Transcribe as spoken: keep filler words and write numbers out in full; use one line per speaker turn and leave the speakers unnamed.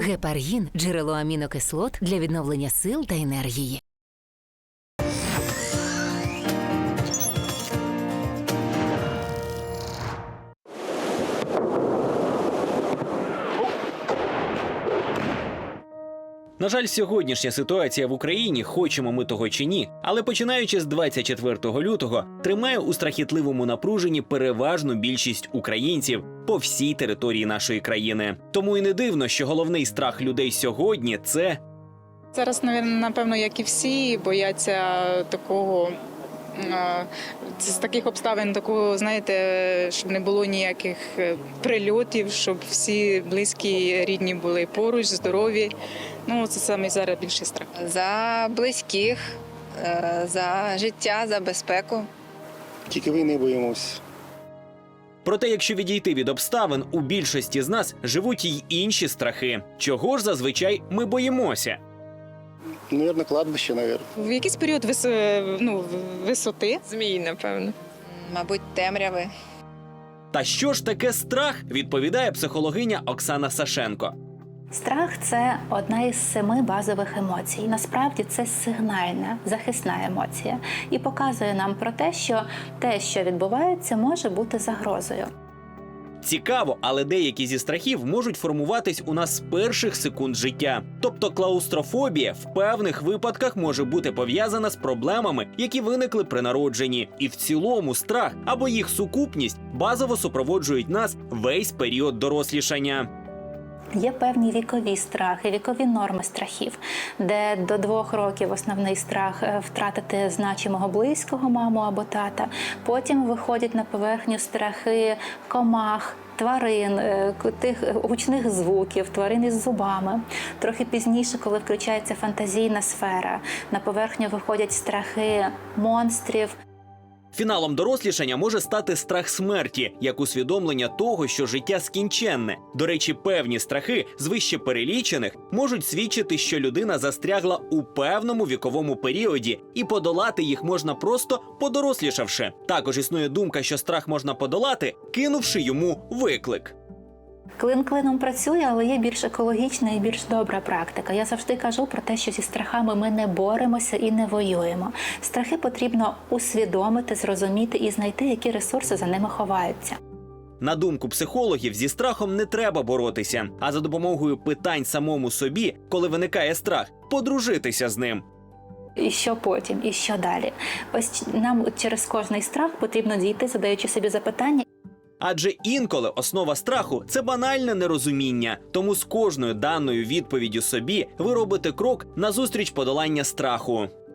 Гепаргін – джерело амінокислот для відновлення сил та енергії.
На жаль, сьогоднішня ситуація в Україні, хочемо ми того чи ні, але починаючи з двадцять четвертого лютого, тримає у страхітливому напруженні переважну більшість українців по всій території нашої країни. Тому і не дивно, що головний страх людей сьогодні – це…
Зараз, напевно, як і всі, бояться такого, з таких обставин, такого, знаєте, щоб не було ніяких прильотів, щоб всі близькі, рідні були поруч, здорові. Ну, це саме зараз більший страх.
За близьких, за життя, за безпеку.
Тільки війни боїмося.
Проте, якщо відійти від обставин, у більшості з нас живуть й інші страхи. Чого ж зазвичай ми боїмося?
Навірно, кладбище, навірно.
В якийсь період вис... ну, висоти.
Змії, напевно. Мабуть, темряви.
Та що ж таке страх, відповідає психологиня Оксана Сашенко.
Страх – це одна із семи базових емоцій. Насправді це сигнальна, захисна емоція. І показує нам про те, що те, що відбувається, може бути загрозою.
Цікаво, але деякі зі страхів можуть формуватись у нас з перших секунд життя. Тобто клаустрофобія в певних випадках може бути пов'язана з проблемами, які виникли при народженні. І в цілому страх або їх сукупність базово супроводжують нас весь період дорослішання.
Є певні вікові страхи, вікові норми страхів, де до двох років основний страх – втратити значимого близького, маму або тата. Потім виходять на поверхню страхи комах, тварин, тих гучних звуків, тварин із зубами. Трохи пізніше, коли включається фантазійна сфера, на поверхню виходять страхи монстрів.
Фіналом дорослішання може стати страх смерті, як усвідомлення того, що життя скінченне. До речі, певні страхи з вище перелічених можуть свідчити, що людина застрягла у певному віковому періоді, і подолати їх можна просто подорослішавши. Також існує думка, що страх можна подолати, кинувши йому виклик.
Клин клином працює, але є більш екологічна і більш добра практика. Я завжди кажу про те, що зі страхами ми не боремося і не воюємо. Страхи потрібно усвідомити, зрозуміти і знайти, які ресурси за ними ховаються.
На думку психологів, зі страхом не треба боротися, а за допомогою питань самому собі, коли виникає страх, подружитися з ним.
І що потім, і що далі? Ось нам через кожний страх потрібно дійти, задаючи собі запитання.
Адже інколи основа страху – це банальне нерозуміння. Тому з кожною даною відповіддю собі ви робите крок назустріч подолання страху.